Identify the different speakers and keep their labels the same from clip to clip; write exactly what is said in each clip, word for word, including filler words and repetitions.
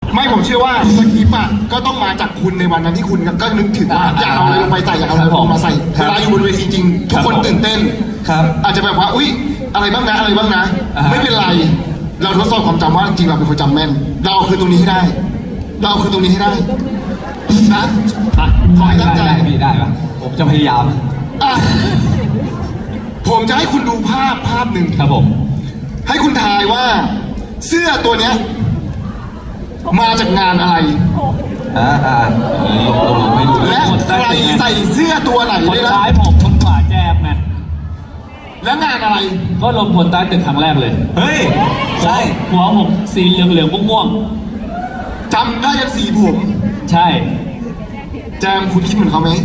Speaker 1: ไม่ผมเชื่อว่าสคริปต์อ่ะก็ต้องมาจากคุณในวันนั้นที่คุณก็นึกถึงว่าอยากเอาอะไรลงไปใส่อยากเอาอะไรลงมาใส่เวลาอยู่บนเวทีจริงทุกคนตื่นเต้น
Speaker 2: ครับ
Speaker 1: อาจจะแบบว่าอุ๊ยอะไรบ้างนะอะไรบ้างนะไม่เป็นไรเราทดสอบความจำว่าจริงเราเป็นคนจำแม่นเราคือตรงนี้ให้ได้ เราคือตรงนี้ให้ได้นะขอให้ตั้งใจ
Speaker 2: ได้พี่ได้ปะผมจะพยายาม
Speaker 1: อ่ะผมจะให้คุณดูภาพภาพหนึ่ง
Speaker 2: ครับผม
Speaker 1: ให้คุณทายว่า เสื้อตัวเนี้ยมาจากงานอะไร
Speaker 2: อ่าอ่าลงลงลงไม่รู้
Speaker 1: และใครใส่เสื้อตัวไหน
Speaker 3: คน
Speaker 1: ได้นะ
Speaker 3: ซ้ายผมคนขวาแจมไง
Speaker 1: และงานอะไร
Speaker 3: ก็ลงพลใต้ตึกครั้งแรกเลย
Speaker 2: เฮ้ยใช่
Speaker 3: หัวผมสีเหลืองเหลืองๆม่วง
Speaker 1: จำได้ยันสีผม
Speaker 3: ๆใช่
Speaker 1: แจมคุณคิดเหมือนเขาไหม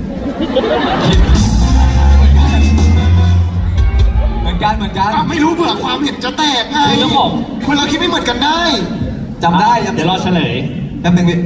Speaker 2: เหมือนกันเหมือนกัน
Speaker 1: อ่ะไม่รู้เผื่อความเห็นจะแตกไง
Speaker 3: คือต้องบอก
Speaker 1: คนเราคิดไม่เหมือนกันได้
Speaker 2: จำได้จำ
Speaker 3: เดี๋ยวรอเฉลย
Speaker 2: แป๊บนึงพี่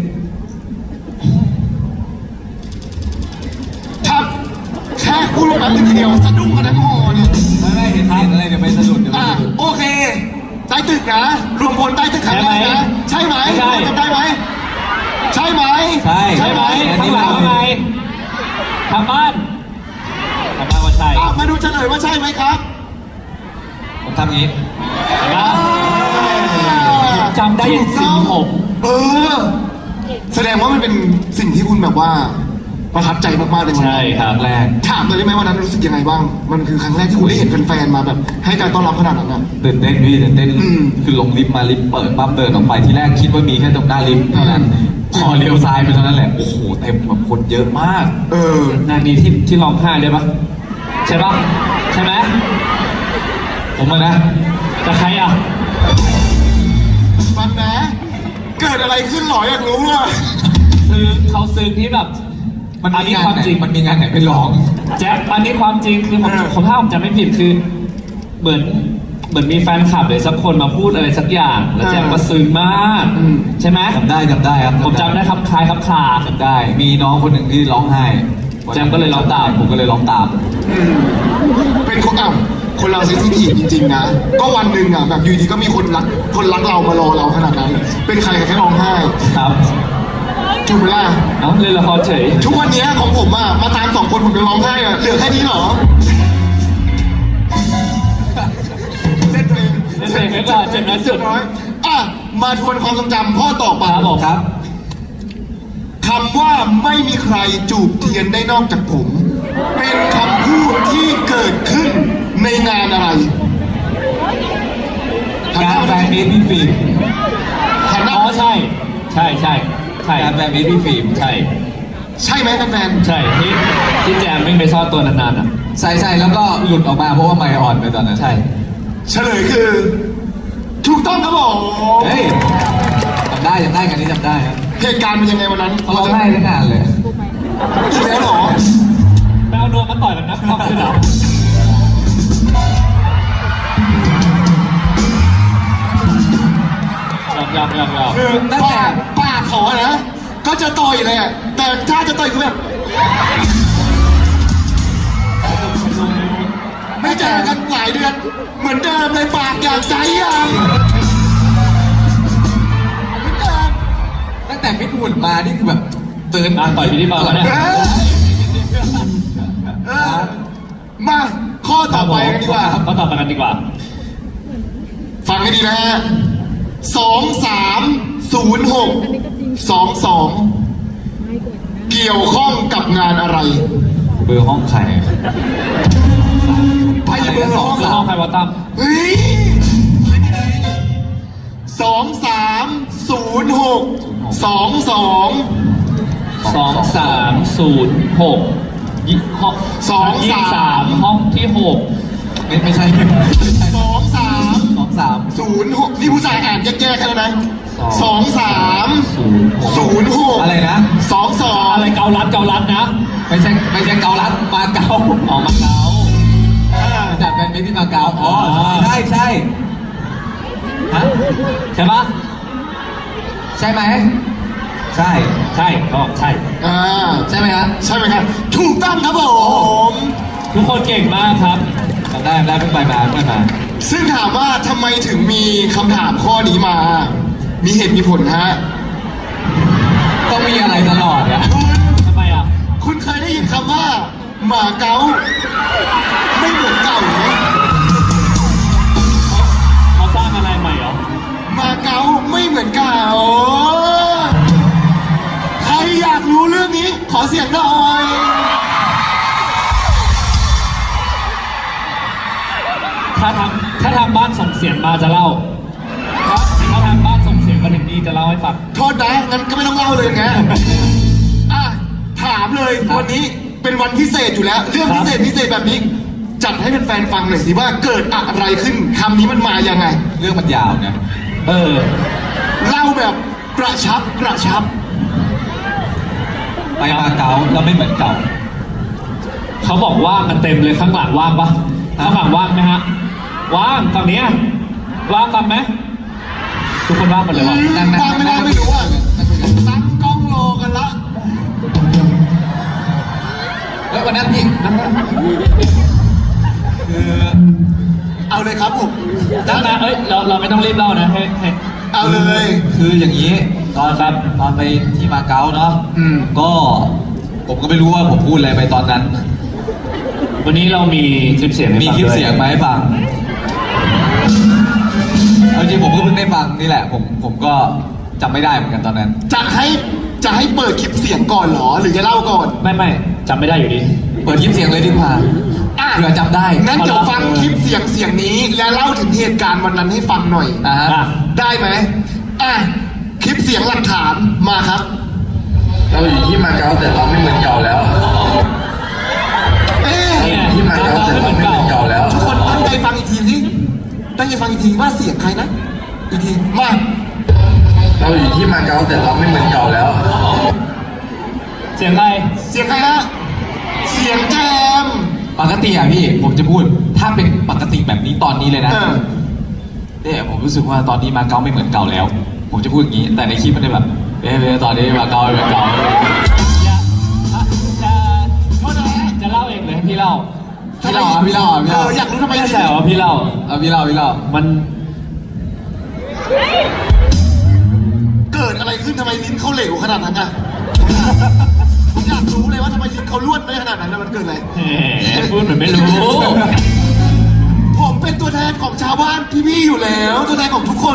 Speaker 1: ถ้าแค่พูดลงนั้นทีเดียวสะดุ้งกันทั้งหอเนี่ย
Speaker 2: ไม่ไม่เห็นเห็นอะไรเดี๋ยวไปสะดุดเดี๋ยวไป
Speaker 1: อ่ะ
Speaker 2: สะดุด
Speaker 1: โอเค ใต้ตึกนะรวมพลใต้ตึกครั้งแรกนะใช่ไหม
Speaker 3: ใช่
Speaker 1: จำได้ไหมใช่ไหม
Speaker 2: ใช่
Speaker 3: ใช่ไหม
Speaker 2: อัน
Speaker 3: ข้าง
Speaker 2: นี้
Speaker 3: หลัง
Speaker 2: เรา
Speaker 3: ว่าไงทางบ้านทางบ้านว่าใช่
Speaker 1: อ่ะมาดูเฉลยว่าใช่ไหมครับ
Speaker 2: ผมทำอย่างนี้
Speaker 3: นะจำได้ยังสีผม
Speaker 1: เออ แสดงว่ามันเป็นสิ่งที่คุณแบบว่าประทับใจมากๆเลยวัน
Speaker 3: ใช่
Speaker 1: นั้น
Speaker 3: ครับ
Speaker 2: แรก
Speaker 1: ถามเลยได้ไหมวันนั้นรู้สึกยังไงบ้าง มันคือครั้งแรกที่คุณได้เห็นแฟนๆมาแบบ ให้การต้อนรับขนาดนั้นอ่ะ
Speaker 2: ตื่นเต้นพี่ตื่นเต้น
Speaker 1: อืม
Speaker 2: คือลงลิฟต์มาลิฟต์เปิดปั๊บเดินออกไปที่แรกคิดว่ามีแค่ตรงหน้าลิฟต์เท่านั้น
Speaker 1: อืม
Speaker 2: พอเลี้ยวซ้ายไปเท่านั้นแหละโอ้โหเต็มแบบคนเยอะมาก
Speaker 1: เออ
Speaker 3: นานี้ที่ที่ร้องไห้เลยปะใช่ปะใช่ไหม
Speaker 2: ผมอะนะ
Speaker 3: แต่ใครอ่ะ
Speaker 1: ฟังนะ เกิดอะไรขึ้นหรออยากรู้อ่ะ
Speaker 3: ซื้อเขาซื้อที่แบบ
Speaker 2: มัน
Speaker 3: อัน
Speaker 2: มี
Speaker 3: นี้
Speaker 2: งาน
Speaker 3: ความ
Speaker 2: ไหน
Speaker 3: จริง
Speaker 2: มันมีงานไหนไม่ร้อง
Speaker 3: แจ๊บอันนี้ความจริงคือผม
Speaker 1: เออ
Speaker 3: ผมถ้าผมจำไม่ผิดคือ เหมือนเหมือนมีแฟนคลับหรือสักคนมาพูดอะไรสักอย่าง แล้วแจ๊บก็ซึ้งมาก ใช่ไหม
Speaker 2: จำได้จำได้ครับ
Speaker 3: ผมจำได้ครับคล้ายครับคลา
Speaker 2: จำได้ มีน้องคนหนึ่งที่ร้องไห้
Speaker 3: แจมก็เลยร้องตาม
Speaker 2: ผมก็เลยร้องตาม
Speaker 1: อืมเป็นคนอ้าวคนเราเซนซิทีฟจริงๆนะ ก็วันหนึ่งอ่ะแบบอยู่ดีก็มีคนรักคนรักเรามารอเราขนาดนั้น เป็นใครแค่ร้องไห้
Speaker 3: ครับ
Speaker 1: ถูกไหมล่ะ
Speaker 3: เอ้าเล่นละครเฉย
Speaker 1: ทุกวันเนี้ยของผมอ่ะมาตามสองคนผมจะร้องไห้อ่ะเหลือแค่นี้เหรอเล่นตัวเอง
Speaker 3: เล่นตัวเองไว้ก่อนเจ็บน้อยสุด
Speaker 1: น้อยอ่ะมาทวนความทรงจำข้อต่อไป
Speaker 3: ครับผม
Speaker 2: ครับ
Speaker 1: คำว่าไม่มีใครจูบเทียนได้นอกจากผม เป็นคำพูดที่เกิดขึ้นในงานอะไร
Speaker 2: งานแฟนมีตพี่ฟิล์ม
Speaker 1: หันหน้า
Speaker 3: อ๋อใช่ ใช่ใช่ใช่
Speaker 2: งานแฟนมีตพี่ฟิล์ม
Speaker 3: ใช่
Speaker 1: ใช่ไหมแฟน
Speaker 3: ใช่ที่ที่แจมไม่งไปซ่อนตัวนานๆอ่ะ
Speaker 2: ใช่ใช่แล้วก็หลุดออกมาเพราะว่าไมค์อ่อนไปตอนนั้น
Speaker 3: ใช่
Speaker 1: ๆเฉลยคือ ถูกต้องครับผม
Speaker 2: เฮ้ยจำได้จำได้กันนี้จำได้ครับ
Speaker 1: เหตุการณ์เป็นยังไงวันนั้น
Speaker 2: เขาร้องไห้ทั้งงานเลย
Speaker 1: อีกแล้วเหรอ
Speaker 3: ไปเอานวมมาต่อยกันนะความคือเรายอกยอกยอกยอก
Speaker 1: คือปากปากเขาอะนะ ก็จะต่อยเลยอะแต่ถ้าจะต่อยคือแบบ ไม่เจอกันหลายเดือน เหมือนเดิมเลยปากอย่างใจยังเหมือนเดิม
Speaker 2: ตั้งแต่ฟิตหุ่นมานี่คือแบบเตือน
Speaker 3: อ่ะต่อยพี่ที่เบาแล้วเนี่ย
Speaker 1: เอ้ยเออมาข้อต่อไปกันดีกว่า
Speaker 3: ก็ต่อไปกันดีกว่า
Speaker 1: ฟังให้ดีนะฮะสองสามศูนย์หกสองสองเกี่ยวข้องกับงานอะไร
Speaker 2: เบอร์ห้องใคร
Speaker 1: ไปเบอร์ห้อง
Speaker 3: เรื่องห้องไพวอตตัม
Speaker 1: เฮ้ยสองสามศูนย์หกสองสอง
Speaker 3: สองสามศูนย์หกยี่ห้อง
Speaker 1: สอง
Speaker 3: ยี่
Speaker 1: สาม
Speaker 3: สามห้องที่หก
Speaker 2: ไม่ไม่ใช่
Speaker 1: สองสาม
Speaker 2: สองสาม
Speaker 1: ศูนย์หกนี่ผู้ชายอ่านแย่ๆแค่นั้นนะสองสาม
Speaker 3: ศูนย์หก
Speaker 1: ศูนย์หก
Speaker 2: อะไรนะ
Speaker 1: สองสอง
Speaker 3: อะไรเกาลัดเกาลัดนะ
Speaker 2: ไม่ใช่ไม่ใช่เกาลัดมาเกา
Speaker 3: ออกมาเกา
Speaker 2: จากแฟนมิตรที่มาเกาอ๋อใช่ใช่ฮะ
Speaker 3: ใช่ปะ
Speaker 2: ใช่ไหมใช่
Speaker 3: ใช่ก็ใช่
Speaker 1: อ่า
Speaker 2: ใช่ไหมครับ
Speaker 1: ใช่ไหมครับถูกต้องครับผม
Speaker 3: ทุกคนเก่งมากครับ
Speaker 2: จำได้จำได้เพิ่งไปมาเพิ่งไปมา
Speaker 1: ซึ่งถามว่าทำไมถึงมีคำถามข้อนี้มามีเหตุมีผลฮะ
Speaker 2: ต้องมีอะไรตลอดอะ
Speaker 3: ทำไมอ่ะ
Speaker 1: คุณเคยได้ยินคำว่า หมาเก๊าไม่เหมือนเก่าไหม
Speaker 3: เขาสร้างอะไรใหม่เหรอ
Speaker 1: หมาเก๊าไม่เหมือนเก่าใครอยากรู้เรื่องนี้ ขอเสียงหน่อย
Speaker 3: ถ้าทำถ้าทางบ้านส่งเสียงมาจะเล่าถ้าทางบ้านส่งเสียงมาถึงนี่จะเล่าให้ฟัง
Speaker 1: โทษนะงั้นก็ไม่ต้องเล่าเลยนะอ่ะถามเลยวันนี้เป็นวันพิเศษอยู่แล้ว เรื่องพิเศษพิเศษแบบนี้ จัดให้เป็นแฟนๆฟังหน่อยสิว่าเกิดอะไรขึ้นคำนี้มันมายังไง
Speaker 2: เรื่องมันยาวนะ
Speaker 3: เออ
Speaker 1: เล่าแบบกระชับกระชับ
Speaker 2: ไปมาเก๊าแล้วไม่เหมือนเก่า
Speaker 3: เขาบอกว่างกันเต็มเลยข้างหลังว่างปะข้างหลังว่างไหมฮะ ว่างฝั่งเนี้ยว่างกันไหมทุกคนว่างหมดเลยวะ
Speaker 2: นั่งๆ
Speaker 1: ฟังไม่ได้ไม่รู้อ่ะตั้งกล้องรอกันละ
Speaker 2: แล้ววันนั้นพี่นั่งคือ
Speaker 1: เอาเลยครับผม
Speaker 3: นั่นนะเอ้ยเราเราไม่ต้องรีบเล่านะให้ให้
Speaker 1: เอาเลย
Speaker 2: คืออย่างนี้ตอน
Speaker 3: ครับ
Speaker 2: ตอนไปที่มาเก๊าเนาะ
Speaker 1: อืม
Speaker 2: ก็ผมก็ไม่รู้ว่าผมพูดอะไรไปตอนนั้น
Speaker 3: วันนี้เรามีคลิปเสียงให้
Speaker 2: มี
Speaker 3: ฟัง
Speaker 2: คลิป
Speaker 3: ด้วย
Speaker 2: เสียงมาให้ฟังเอาจริงผมก็เพิ่งได้ฟังนี่แหละ ผมผมก็จำไม่ได้เหมือนกันตอนนั้น
Speaker 1: จะให้จะให้เปิดคลิปเสียงก่อนเหรอ หรือจะเล่าก่อน
Speaker 3: ไม่ไม่จำไม่ได้อยู่ดี
Speaker 2: เปิดคลิปเสียงเลยดีกว่า
Speaker 1: อ่ะ
Speaker 2: เผื่อจำได้
Speaker 1: งั้นเดี๋ยวฟังคลิปเสียงเสียงนี้ และเล่าถึงเหตุการณ์วันนั้นให้ฟังหน่อย
Speaker 2: อ่ะฮะ
Speaker 3: อ่ะ
Speaker 1: ได้ไหมอ่ะคลิปเสียงหลักฐานมาครับ
Speaker 4: เราอยู่ที่มาเก๊าแต่เราไม่เหมือนเก่าแล้ว
Speaker 1: เอ๊ะ
Speaker 3: เนี่ย
Speaker 4: ที่มาเก๊าแต่เราไม่เหมือนเก่าแล้ว
Speaker 1: ทุกคนตั้งใจฟังอีกทีสิตั้งใจฟังอีกทีว่าเสียงใครนะ อีกทีมา
Speaker 4: เราอยู่ที่มาเก๊าแต่เราไม่เหมือนเก่าแล้ว
Speaker 3: เสียงใคร
Speaker 1: เสียงใครฮะเสียงแจม
Speaker 2: ปกติอ่ะพี่ผมจะพูด ถ้าเป็นปกติแบบนี้ตอนนี้เลยนะ
Speaker 1: เออ
Speaker 2: เนี่ยผมรู้สึกว่าตอนนี้มาเก๊าไม่เหมือนเก่าแล้ว ผมจะพูดอย่างนี้ แต่ในคลิปมันจะแบบเอ๊ะตอนนี้มาเก๊าไม่เหมือนเก่า
Speaker 3: อย่าอ่ะจะจะเล่าเองเลยให้พี่เล่า
Speaker 2: พี่เล่าอ่ะพี่เล่าอ่ะพี่
Speaker 1: เอ
Speaker 2: เล่า
Speaker 1: ออยากรู้ทำไม
Speaker 3: ไม่ใช่ว่าพี่เล่า
Speaker 2: เอาพี่เล่าพี่เล่า
Speaker 3: มัน
Speaker 1: เกิดอะไรขึ้นทำไมลิ้นเขาเหลวขนาดนั้นอ่ะผมอยากรู้เลยว่าทำไมลิ้นเขาล้วนได้ขนาดนั้นนะมันเกิดอะไร
Speaker 3: แหมพูดเหมือนไม่รู้
Speaker 1: ผมเป็นตัวแทนของชาวบ้านพี่ๆอยู่แล้ว ตัวแทนของทุกคน